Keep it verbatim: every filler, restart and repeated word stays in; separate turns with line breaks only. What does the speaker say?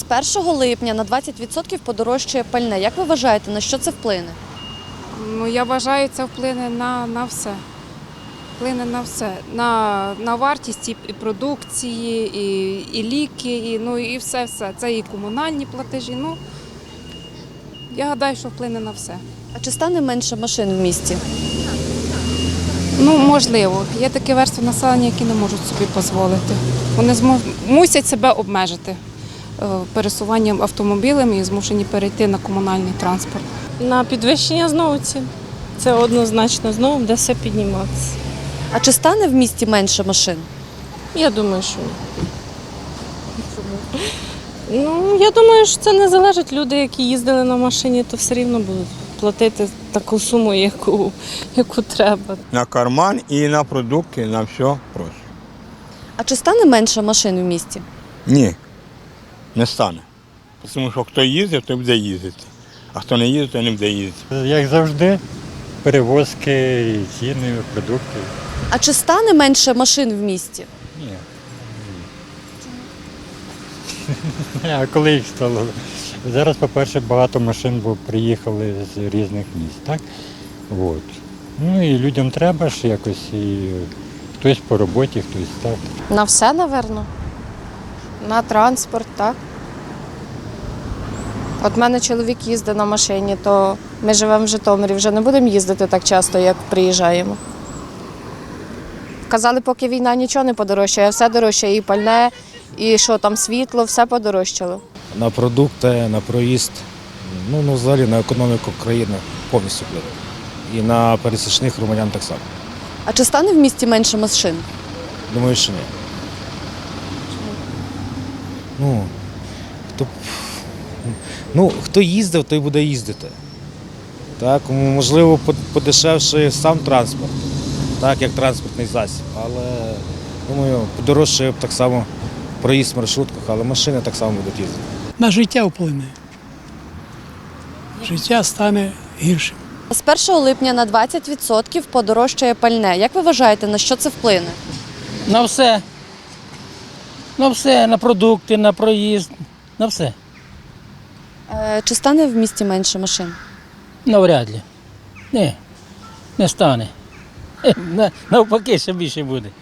першого липня на двадцять відсотків подорожчає пальне. Як ви вважаєте, на що це вплине?
Ну, я вважаю, це вплине на, на все. Вплине на все. На, на вартість і і продукції, і, і ліки, і, ну, і все-все. Це і комунальні платежі. Ну, я гадаю, що вплине на все.
А чи стане менше машин в місті?
Ну, можливо. Є такі верстви населення, які не можуть собі дозволити. Вони змож... мусять себе обмежити е, пересуванням автомобілем і змушені перейти на комунальний транспорт.
На підвищення знову цін. Це однозначно знову буде все підніматися.
А чи стане в місті менше машин?
Я думаю, що ні. Ну, я думаю, що це не залежить. Люди, які їздили на машині, то все рівно будуть платити таку суму, яку, яку треба.
На карман і на продукти, на все просто.
А чи стане менше машин в місті?
Ні, не стане. Тому що хто їздить, той буде їздити. А хто не їздить, той не буде їздити.
Як завжди, перевозки, і ціни, продукти.
А чи стане менше машин в місті?
Ні. А коли їх стало? Зараз, по-перше, багато машин бо приїхали з різних міст, так? От. Ну і людям треба ж якось, і хтось по роботі, хтось так.
На все, напевно. На транспорт, так. От в мене чоловік їздить на машині, то ми живемо в Житомирі, вже не будемо їздити так часто, як приїжджаємо. Казали, поки війна нічого не подорожчає, все дорожчає, і пальне, і що там, світло, все подорожчало.
На продукти, на проїзд, ну, ну взагалі на економіку країни повністю вплине. І на пересічних громадян так само.
А чи стане в місті менше машин?
Думаю, що ні. Ну, хто, ну, хто їздив, той буде їздити. Так, можливо, подешевший сам транспорт, так, як транспортний засіб, але, думаю, подорожчає так само проїзд в маршрутках, але машини так само будуть їздити.
На життя вплине. Життя стане гіршим.
З першого липня на двадцять відсотків подорожчає пальне. Як ви вважаєте, на що це вплине?
На все. На все, на продукти, на проїзд, на все.
Е, Чи стане в місті менше машин?
Навряд ли. Ні, не стане. Навпаки, ще більше буде.